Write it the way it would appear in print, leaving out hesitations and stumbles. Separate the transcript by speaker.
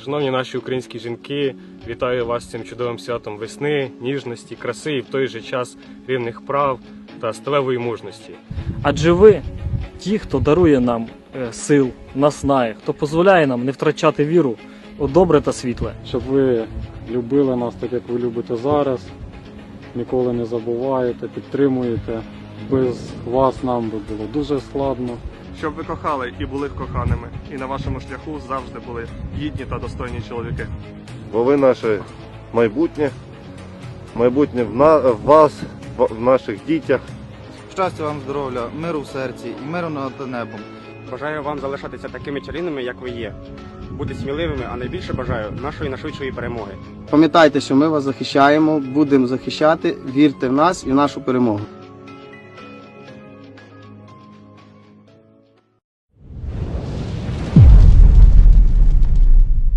Speaker 1: Шановні наші українські жінки, вітаю вас з цим чудовим святом весни, ніжності, краси і в той же час рівних прав та сталевої мужності.
Speaker 2: Адже ви ті, хто дарує нам сил, наснаги, хто дозволяє нам не втрачати віру у добре та світле.
Speaker 3: Щоб ви любили нас так, як ви любите зараз, ніколи не забуваєте, підтримуєте. Без вас нам би було дуже складно.
Speaker 4: Щоб ви кохали і були коханими, і на вашому шляху завжди були гідні та достойні чоловіки.
Speaker 5: Бо ви наше майбутнє, майбутнє в вас, в наших дітях.
Speaker 6: Щастя вам, здоров'я, миру в серці і миру над небом.
Speaker 7: Бажаю вам залишатися такими чарівними, як ви є. Бути сміливими, а найбільше бажаю нашої найшвидшої перемоги.
Speaker 6: Пам'ятайте, що ми вас захищаємо, будемо захищати, вірте в нас і в нашу перемогу.